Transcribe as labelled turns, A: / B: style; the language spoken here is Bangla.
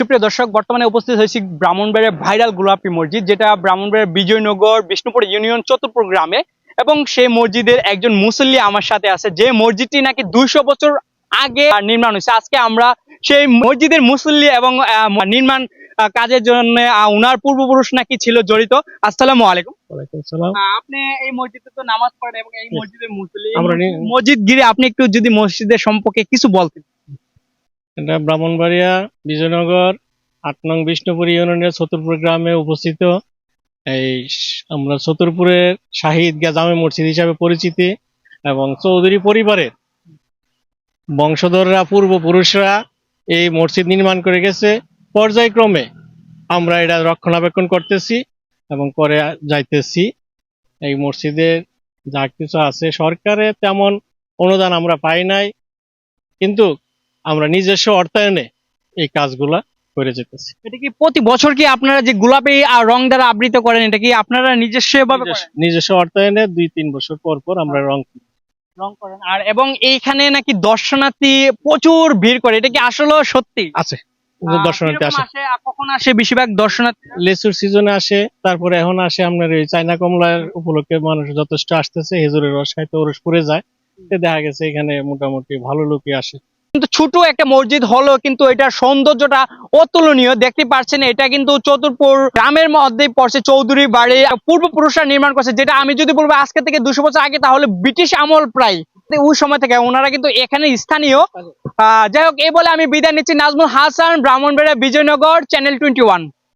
A: সুপ্রিয় দর্শক, বর্তমানে উপস্থিত হয়েছি ব্রাহ্মণবাড়িয়ার ভাইরাল গোলাপি মসজিদ, যেটা ব্রাহ্মণবাড়িয়ার বিজয়নগর বিষ্ণুপুর ইউনিয়ন চতুরপুর গ্রামে। এবং সেই মসজিদের একজন মুসল্লি আমার সাথে আছে, যে মসজিদটি নাকি 200 বছর আগে নির্মাণ হয়েছে। আজকে আমরা সেই মসজিদের মুসল্লি এবং নির্মাণ কাজের জন্য উনার পূর্বপুরুষ নাকি ছিল জড়িত। আসসালামু আলাইকুম।
B: ওয়ালাইকুম আসসালাম।
A: আপনি এই মসজিদে তো নামাজ পড়েন এবং এই মসজিদের মুসল্লি,
B: আমরা
A: মসজিদ গিরে আপনি একটু যদি মসজিদের সম্পর্কে কিছু বলতেন।
B: এটা ব্রাহ্মণবাড়িয়া বিজয়নগর 8 নং বিষ্ণুপুর ইউনিয়নের চতুরপুর গ্রামে উপস্থিত। আমরা চতুরপুরের শাহী ঈদগাহ জামে মসজিদ হিসাবে পরিচিতি এবং চৌধুরী পরিবারের বংশধররা পূর্বপুরুষরা এই মসজিদ নির্মাণ করে গেছে। পর্যায়ক্রমে আমরা এটা রক্ষণাবেক্ষণ করতেছি এবং করে যাইতেছি। এই মসজিদের যা কিছু আছে, সরকারে তেমন অনুদান আমরা পাই নাই, কিন্তু আমরা নিজস্ব অর্থায়নে এই কাজগুলা করে যেতেছি।
A: এটা কি প্রতি বছর কি আপনারা যে গোলাপি রং দ্বারা আবৃত করেন, এটা কি আপনারা নিজস্ব ভাবে করেন?
B: নিজস্ব অর্থায়নে 2-3 বছর পর পর আমরা
A: রং করেন। আর এবং এইখানে নাকি দর্শনার্থী প্রচুর ভিড় করে, এটা কি আসলে সত্যি?
B: আছে। দর্শনার্থী
A: কিরকম
B: আসে,
A: কখন আসে বেশিরভাগ দর্শনার্থী?
B: লেচুর সিজনে আসে, তারপরে এখন আসে আপনার এই চায়না কমলার উপলক্ষে মানুষ যথেষ্ট আসতেছে। হেজুরের রস খাইতে ওরস পড়ে যায়, দেখা গেছে এখানে মোটামুটি ভালো লোকই আসে।
A: কিন্তু ছোট একটা মসজিদ হলো, কিন্তু এটার সৌন্দর্যটা অতুলনীয়। দেখতে পাচ্ছেন, এটা কিন্তু চতুরপুর গ্রামের মধ্যে পড়ছে। চৌধুরী বাড়ি পূর্বপুরুষরা নির্মাণ করছে, যেটা আমি যদি বলবো আজকে থেকে 200 বছর আগে, তাহলে ব্রিটিশ আমল প্রায় ওই সময় থেকে ওনারা কিন্তু এখানে স্থানীয়। যাই হোক, এই বলে আমি বিদায় নিচ্ছি। নাজমুল হাসান, ব্রাহ্মণবাড়িয়া বিজয়নগর, চ্যানেল 21।